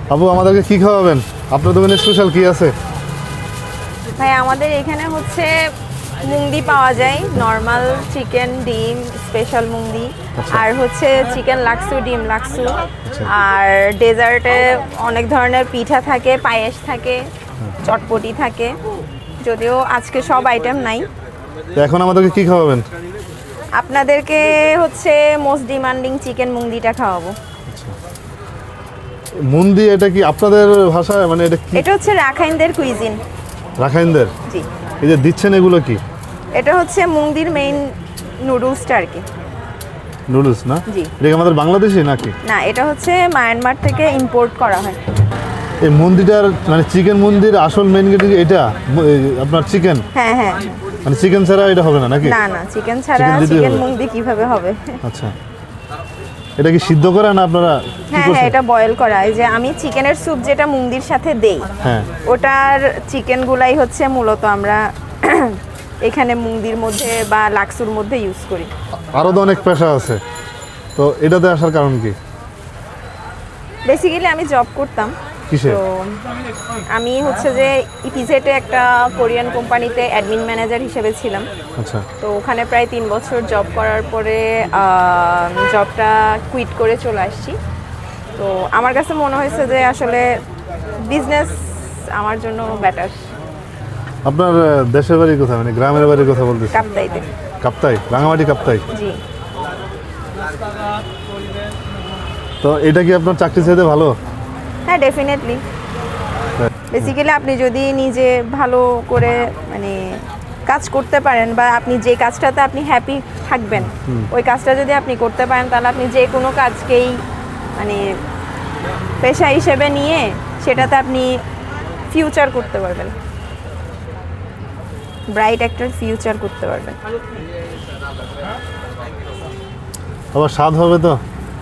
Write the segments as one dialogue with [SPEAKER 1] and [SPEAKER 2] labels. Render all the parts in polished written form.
[SPEAKER 1] আপু আমাদেরকে কি খাওয়াবেন? আপনার দোকানে স্পেশাল কি আছে?
[SPEAKER 2] ভাই আমাদের এখানে হচ্ছে মুংদি পাওয়া যায়, নর্মাল চিকেন, ডিম, স্পেশাল মুংদি, আর হচ্ছে চিকেন লাক্সু, ডিম লাক্সু, আর ডেজার্টে অনেক ধরনের পিঠা থাকে, পায়েস থাকে, চটপটি থাকে, যদিও আজকে সব আইটেম নাই।
[SPEAKER 1] তো এখন আমাদেরকে কি খাওয়াবেন?
[SPEAKER 2] আপনাদেরকে হচ্ছে মোস্ট ডিমান্ডিং চিকেন মুংদিটা খাওয়াবো।
[SPEAKER 1] মুন্দি এটা কি আপনাদের ভাষায়, মানে এটা কি?
[SPEAKER 2] এটা হচ্ছে রাখাইনদের কুইজিন।
[SPEAKER 1] রাখাইনদের?
[SPEAKER 2] জি।
[SPEAKER 1] এই যে দিচ্ছেন এগুলো কি?
[SPEAKER 2] এটা হচ্ছে মুংদির মেইন নুডলসটা আর কি।
[SPEAKER 1] নুডলস না?
[SPEAKER 2] জি।
[SPEAKER 1] এটা কি আমাদের বাংলাদেশি নাকি?
[SPEAKER 2] না, এটা হচ্ছে মায়ানমার থেকে ইম্পোর্ট করা হয়।
[SPEAKER 1] এই মুন্দিটার মানে চিকেন মুন্দির আসল মেইন এটা আপনার চিকেন?
[SPEAKER 2] হ্যাঁ হ্যাঁ।
[SPEAKER 1] মানে চিকেন ছাড়া এটা হবে না নাকি?
[SPEAKER 2] না না, চিকেন ছাড়া
[SPEAKER 1] Chicken দিতেই
[SPEAKER 2] চিকেন
[SPEAKER 1] হবে।
[SPEAKER 2] মুংদি কিভাবে হবে?
[SPEAKER 1] আচ্ছা, এটা কি সিদ্ধ করা না আপনারা কি
[SPEAKER 2] হ্যাঁ হ্যাঁ,
[SPEAKER 1] করছেন?
[SPEAKER 2] এটা বয়েল করা। এই যে আমি চিকেনের স্যুপ যেটা মুংদির সাথে দেই,
[SPEAKER 1] হ্যাঁ।
[SPEAKER 2] ওটার চিকেন গুলাই হচ্ছে মূলত আমরা এখানে মুংদির মধ্যে বা লাক্সুর মধ্যে ইউজ করি।
[SPEAKER 1] আরও তো অনেক পেশা আছে, তো এটাতে আসার কারণ কি?
[SPEAKER 2] বেসিক্যালি আমি জব করতাম,
[SPEAKER 1] কিসে?
[SPEAKER 2] তো আমি হচ্ছে যে ইপিজেটে একটা কোরিয়ান কোম্পানিতে অ্যাডমিন ম্যানেজার হিসেবে ছিলাম।
[SPEAKER 1] আচ্ছা।
[SPEAKER 2] তো ওখানে প্রায় 3 বছর জব করার পরে জবটা কুইট করে চলে আসছি। তো আমার কাছে মনে হয়েছে যে আসলে বিজনেস আমার জন্য বেটার।
[SPEAKER 1] আপনার দেশের বাড়ি কোথায়, মানে গ্রামের বাড়ির কথা বলতেছি?
[SPEAKER 2] কাপ্তাইতে।
[SPEAKER 1] কাপ্তাই, রাঙামাটি কাপ্তাই।
[SPEAKER 2] জি।
[SPEAKER 1] তো এটা কি আপনার চাকরি চাইতে ভালো?
[SPEAKER 2] হ্যাঁ, ডেফিনেটলি। বেসিক্যালি আপনি যদি নিজে ভালো করে মানে কাজ করতে পারেন, বা আপনি যে কাজটাতে আপনি হ্যাপি থাকবেন, ওই কাজটা যদি আপনি করতে পারেন, তাহলে আপনি যে কোনো কাজকেই মানে পেশা হিসেবে নিয়ে সেটাতে আপনি ফিউচার করতে পারবেন, ব্রাইট একটা ফিউচার করতে পারবেন।
[SPEAKER 1] আবার স্বাদ হবে তো?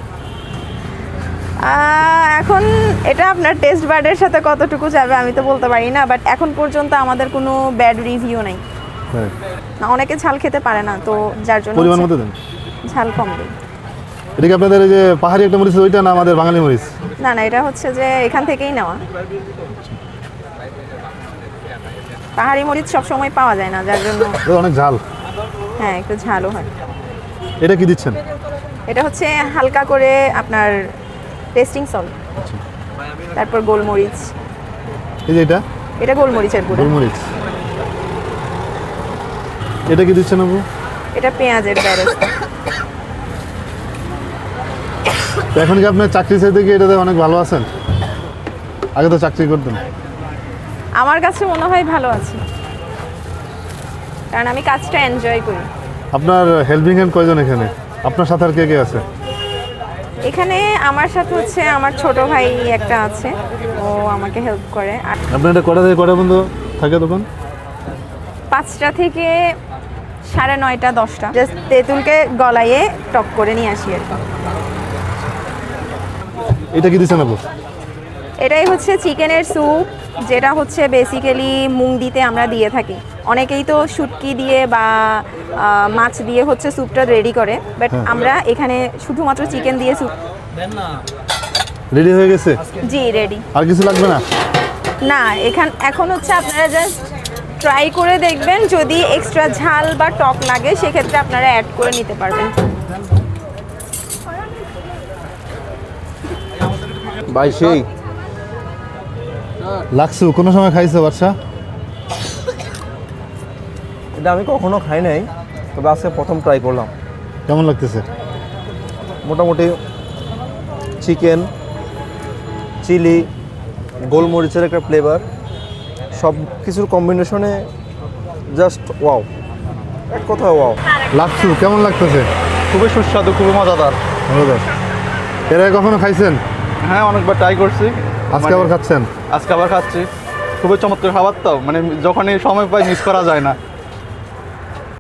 [SPEAKER 2] এখন এটা আপনার টেস্ট বার্ডের সাথে কতটুকু যাবে আমি তো বলতে পারি না, বাট এখন পর্যন্ত আমাদের কোনো ব্যাড রিভিউ নেই।
[SPEAKER 1] হ্যাঁ।
[SPEAKER 2] না, অনেকে ঝাল খেতে পারে না, তো যার জন্য
[SPEAKER 1] পরিমাণ
[SPEAKER 2] হচ্ছে
[SPEAKER 1] মতো দেন।
[SPEAKER 2] ঝাল কম দিই।
[SPEAKER 1] এটা কি আপনাদের এই যে পাহাড়ি একটা মরিচ ওইটা, না আমাদের বাঙালি মরিচ?
[SPEAKER 2] না না, এটা হচ্ছে যে এখান থেকেই নেওয়া। পাহাড়ি মরিচ সব সময় পাওয়া যায় না, যার জন্য
[SPEAKER 1] এটা অনেক ঝাল।
[SPEAKER 2] হ্যাঁ, একটু ঝালও হয়।
[SPEAKER 1] এটা কি দিচ্ছেন?
[SPEAKER 2] এটা হচ্ছে হালকা করে আপনার টেস্টিং সল্ট, তারপর গোলমরিচ।
[SPEAKER 1] এই যে এটা?
[SPEAKER 2] এটা গোলমরিচের গুঁড়ো।
[SPEAKER 1] গোলমরিচ। এটা কি দিচ্ছেন আপু?
[SPEAKER 2] এটা পেঁয়াজের বেরেস্তা।
[SPEAKER 1] তো এখন কি আপনার চাকরি চাইতে কি এটাতে অনেক ভালো আছেন? আগে তো চাকরি করতেন।
[SPEAKER 2] আমার কাছে মনে হয় ভালো আছে, কারণ আমি কাজটা এনজয় করি।
[SPEAKER 1] আপনার হেল্পিং হ্যান্ড কয়জন এখানে? আপনার সাথে আর কে কে আছে?
[SPEAKER 2] এখানে আমার সাথে হচ্ছে আমার ছোট ভাই একটা আছে, ও আমাকে হেল্প করে। আর
[SPEAKER 1] আপনার এটা কটা থেকে কটা পর্যন্ত থাকে দোকান?
[SPEAKER 2] 5টা থেকে 9:30, 10টা। জাস্ট তেঁতুলকে গলাইয়ে টক করে নিয়ে আসি আর কি।
[SPEAKER 1] এটা কি দিচ্ছেন আপু?
[SPEAKER 2] এটাই হচ্ছে চিকেনের স্যুপ, যেটা হচ্ছে বেসিক্যালি মুংদিতে আমরা দিয়ে থাকি। অনেকেই তো শুটকি দিয়ে বা মাছ দিয়ে হচ্ছে স্যুপটা রেডি করে, বাট আমরা এখানে শুধুমাত্র চিকেন দিয়ে স্যুপ।
[SPEAKER 1] রেডি হয়ে গেছে?
[SPEAKER 2] জি, রেডি।
[SPEAKER 1] আর কিছু লাগবে না?
[SPEAKER 2] না, এখন হচ্ছে আপনারা জাস্ট ট্রাই করে দেখবেন, যদি এক্সট্রা ঝাল বা টক লাগে সেক্ষেত্রে আপনারা অ্যাড করে নিতে পারবেন।
[SPEAKER 1] ভাই সেই লাক্সু কোনো সময় খাইছো বাদশা?
[SPEAKER 3] এটা আমি কখনো খাই নাই, তবে আজকে প্রথম ট্রাই করলাম।
[SPEAKER 1] কেমন লাগতেছে?
[SPEAKER 3] মোটামুটি চিকেন, চিলি, গোলমরিচের একটা ফ্লেভার, সব কিছুর কম্বিনেশনে জাস্ট ওয়াও, এক কথা ওয়াও।
[SPEAKER 1] লাক্সু কেমন লাগতেছে?
[SPEAKER 3] খুবই সুস্বাদু, খুবই মজাদার।
[SPEAKER 1] মজাদার। এর আগে কখনো খাইছেন?
[SPEAKER 3] হ্যাঁ, অনেকবার ট্রাই করছি।
[SPEAKER 1] আজকে আবার খাচ্ছেন?
[SPEAKER 3] আজকে আবার খাচ্ছি। খুবই চমৎকার খাবার তো, মানে যখনই সময় পাই মিস করা যায় না।